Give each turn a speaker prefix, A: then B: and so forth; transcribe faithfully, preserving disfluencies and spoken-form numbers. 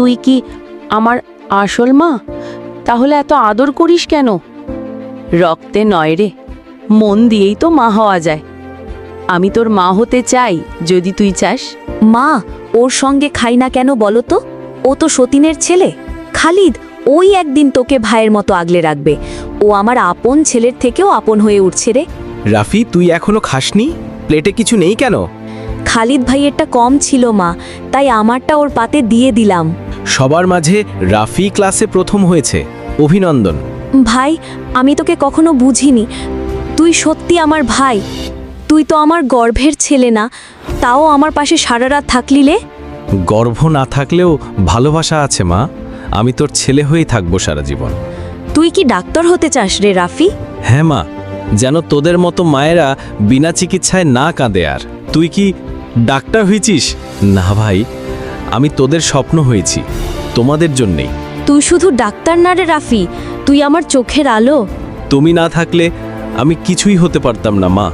A: তুই কি আমার আসল মা? তাহলে এত আদর করিস কেন? রক্তে নয় রে, মন দিয়েই তো মা হওয়া যায়। আমি তোর মা হতে চাই যদি তুই চাস।
B: মা, ওর সঙ্গে খাই না কেন বলো তো? ও তো সতীনের ছেলে। খালিদ ওই একদিন তোকে ভাইয়ের মতো আগলে রাখবে। ও আমার আপন ছেলের থেকেও আপন হয়ে উঠছে রে।
C: রাফি, তুই এখনো খাসনি? প্লেটে কিছু নেই কেন?
B: খালিদ ভাইয়েরটা কম ছিল মা, তাই আমারটা ওর পাতে দিয়ে দিলাম।
C: সবার মাঝে রাফি ক্লাসে প্রথম হয়েছে, অভিনন্দন।
B: ভাই, আমি তোকে কখনো বুঝিনি। তুই সত্যি আমার ভাই। তুই তো আমার গর্ভের ছেলে না, তাও আমার পাশে সারা রাত থাকলিলে।
C: গর্ভ না থাকলেও ভালোবাসা আছে মা। আমি তোর ছেলে হয়েই থাকবো সারা জীবন।
B: তুই কি ডাক্তার হতে চাস রে রাফি?
C: হ্যাঁ মা, যেন তোদের মতো মায়েরা বিনা চিকিৎসায় না কাঁদে। আর তুই কি ডাক্তার হয়েছিস? না ভাই, আমি তোদের স্বপ্ন হয়েছি, তোমাদের জন্যেই।
B: তুই শুধু ডাক্তার না রে রাফি, তুই আমার চোখের আলো।
C: তুমি না থাকলে আমি কিছুই হতে পারতাম না মা।